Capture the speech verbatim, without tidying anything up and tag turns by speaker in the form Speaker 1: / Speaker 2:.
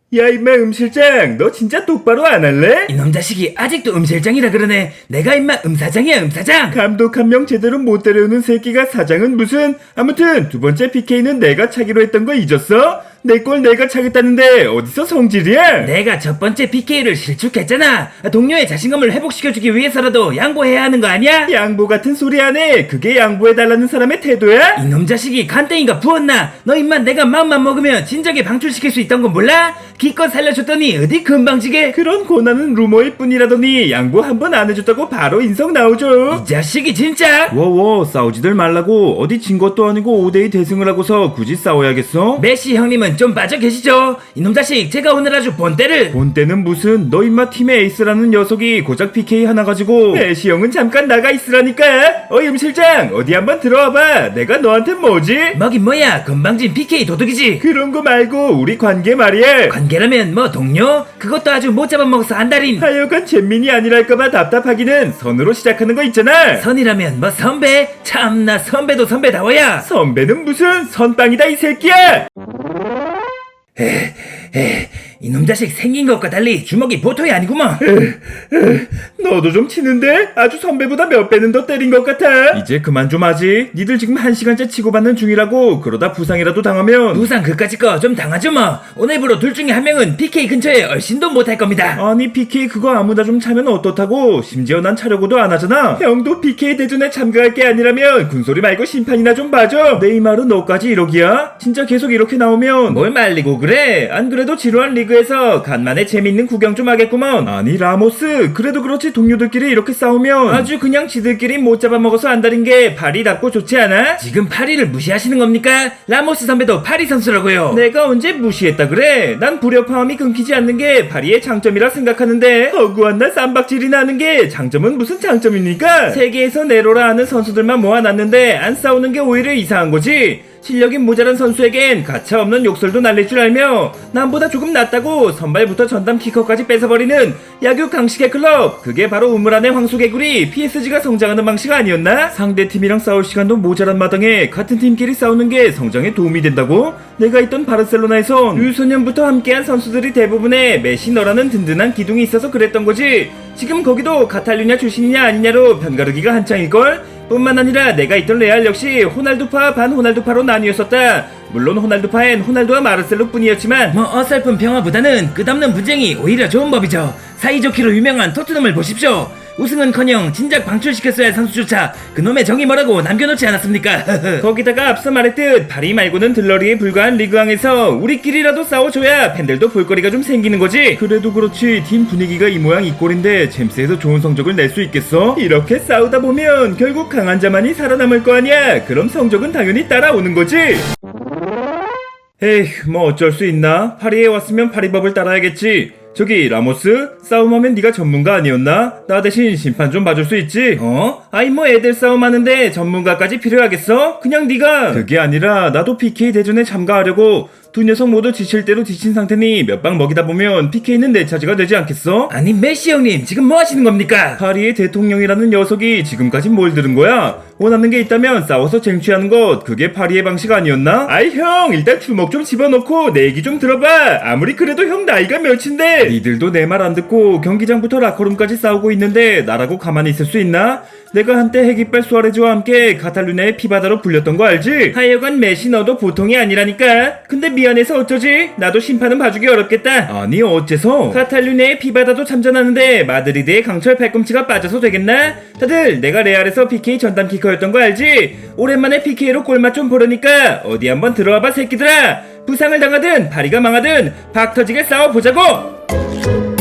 Speaker 1: 야 임마 음실장 너 진짜 똑바로 안 할래?
Speaker 2: 이놈 자식이 아직도 음실장이라 그러네. 내가 임마 음사장이야 음사장.
Speaker 1: 감독 한 명 제대로 못 데려오는 새끼가 사장은 무슨. 아무튼 두 번째 피케이는 내가 차기로 했던 거 잊었어? 내 걸 내가 차겠다는데 어디서 성질이야?
Speaker 2: 내가 첫 번째 피케이를 실축했잖아. 동료의 자신감을 회복시켜주기 위해서라도 양보해야 하는 거 아니야?
Speaker 1: 양보 같은 소리 안 해. 그게 양보해달라는 사람의 태도야?
Speaker 2: 이놈 자식이 간땡이가 부었나? 너 임마 내가 마음만 먹으면 진작에 방출시킬 수 있던 건 몰라? 기껏 살려줬더니 어디 금방지게.
Speaker 1: 그런 고난은 루머일 뿐이라더니 양보 한 번 안 해줬다고 바로 인성 나오죠.
Speaker 2: 이 자식이 진짜.
Speaker 1: 워워 싸우지들 말라고. 어디 진 것도 아니고 오 대이 대승을 하고서 굳이 싸워야겠어?
Speaker 2: 메시 형님은 좀 빠져 계시죠? 이놈 자식 제가 오늘 아주 본때를.
Speaker 1: 본때는 무슨. 너 임마 팀의 에이스라는 녀석이 고작 피케이 하나 가지고 메시 형은 잠깐 나가 있으라니까. 어이 음실장 어디 한번 들어와봐. 내가 너한테 뭐지?
Speaker 2: 뭐긴 뭐야 금방진 피케이 도둑이지.
Speaker 1: 그런 거 말고 우리 관계 말이야.
Speaker 2: 관계라면 뭐 동료? 그것도 아주 못 잡아먹어서 안달인.
Speaker 1: 하여간 잼민이 아니랄까봐 답답하기는 선으로 시작하는 거 있잖아.
Speaker 2: 선이라면 뭐 선배? 참나 선배도 선배다워야.
Speaker 1: 선배는 무슨 선빵이다 이 새끼야.
Speaker 2: 에, 에, 이놈 자식 생긴 것과 달리 주먹이 보통이 아니구먼.
Speaker 1: 너도 좀 치는데? 아주 선배보다 몇 배는 더 때린 것 같아. 이제 그만 좀 하지. 니들 지금 한 시간째 치고받는 중이라고. 그러다 부상이라도 당하면.
Speaker 2: 부상 그까짓 거 좀 당하죠 뭐. 오늘부로 둘 중에 한 명은 피케이 근처에 얼씬도 못할 겁니다.
Speaker 1: 아니 피케이 그거 아무나 좀 차면 어떻다고. 심지어 난 차려고도 안 하잖아. 형도 피케이 대전에 참가할 게 아니라면 군소리 말고 심판이나 좀 봐줘. 네이마르 너까지 이러기야? 진짜 계속 이렇게 나오면
Speaker 2: 뭘 말리고 그래.
Speaker 1: 안 그래도 지루한 리그에서 간만에 재밌는 구경 좀 하겠구먼. 아니 라모스 그래도 그렇지 동료들끼리 이렇게 싸우면 아주 그냥 지들끼리 못 잡아먹어서 안달인 게 발이 닿고 좋지 않아?
Speaker 2: 지금 파리를 무시하시는 겁니까? 라모스 선배도 파리 선수라고요.
Speaker 1: 내가 언제 무시했다 그래? 난 불협화음이 끊기지 않는 게 파리의 장점이라 생각하는데 허구한 날 쌈박질이 나는 게 장점은 무슨 장점입니까? 세계에서 내로라 하는 선수들만 모아놨는데 안 싸우는 게 오히려 이상한 거지. 실력이 모자란 선수에겐 가차없는 욕설도 날릴 줄 알며 남보다 조금 낫다고 선발부터 전담 키커까지 뺏어버리는 야구 강식의 클럽. 그게 바로 우물 안의 황소개구리 피에스지가 성장하는 방식 아니었나? 상대팀이랑 싸울 시간도 모자란 마당에 같은 팀끼리 싸우는 게 성장에 도움이 된다고? 내가 있던 바르셀로나에선 유소년부터 함께한 선수들이 대부분의 메시 너라는 든든한 기둥이 있어서 그랬던 거지. 지금 거기도 카탈루냐 출신이냐 아니냐로 편가르기가 한창일걸? 뿐만 아니라 내가 있던 레알 역시 호날두파 반 호날두파로 나뉘었었다. 물론 호날두파엔 호날두와 마르셀로 뿐이었지만
Speaker 2: 뭐 어설픈 평화보다는 끝없는 분쟁이 오히려 좋은 법이죠. 사이좋기로 유명한 토트넘을 보십시오. 우승은커녕 진작 방출시켰어야 할 선수조차 그놈의 정이 뭐라고 남겨놓지 않았습니까?
Speaker 1: 거기다가 앞서 말했듯 파리 말고는 들러리에 불과한 리그왕에서 우리끼리라도 싸워줘야 팬들도 볼거리가 좀 생기는 거지. 그래도 그렇지 팀 분위기가 이 모양 이 꼴인데 잼스에서 좋은 성적을 낼 수 있겠어? 이렇게 싸우다 보면 결국 강한 자만이 살아남을 거 아니야. 그럼 성적은 당연히 따라오는 거지. 에휴 뭐 어쩔 수 있나. 파리에 왔으면 파리법을 따라야겠지. 저기 라모스 싸움하면 네가 전문가 아니었나? 나 대신 심판 좀 봐줄 수 있지? 어? 아이 뭐 애들 싸움하는데 전문가까지 필요하겠어? 그냥 네가. 그게 아니라 나도 피케이 대전에 참가하려고. 두 녀석 모두 지칠 대로 지친 상태니 몇 방 먹이다 보면 피케이는 내 차지가 되지 않겠어?
Speaker 2: 아니 메시 형님 지금 뭐 하시는 겁니까?
Speaker 1: 파리의 대통령이라는 녀석이 지금까지 뭘 들은 거야? 원하는 게 있다면 싸워서 쟁취하는 것. 그게 파리의 방식 아니었나? 아이 형 일단 주먹 좀 집어넣고 내 얘기 좀 들어봐. 아무리 그래도 형 나이가 몇인데 니들도 내 말 안 듣고 경기장부터 라커룸까지 싸우고 있는데 나라고 가만히 있을 수 있나? 내가 한때 핵이빨 수아레즈와 함께 카탈루냐의 피바다로 불렸던 거 알지? 하여간 메시 너도 보통이 아니라니까. 근데 미안해서 어쩌지? 나도 심판은 봐주기 어렵겠다. 아니 어째서? 카탈루냐의 피바다도 참전하는데 마드리드의 강철 팔꿈치가 빠져서 되겠나? 다들 내가 레알에서 피케이 전담 키커였던 거 알지? 오랜만에 피케이로 골맛 좀 보려니까 어디 한번 들어와봐 새끼들아. 부상을 당하든 파리가 망하든 박 터지게 싸워보자고.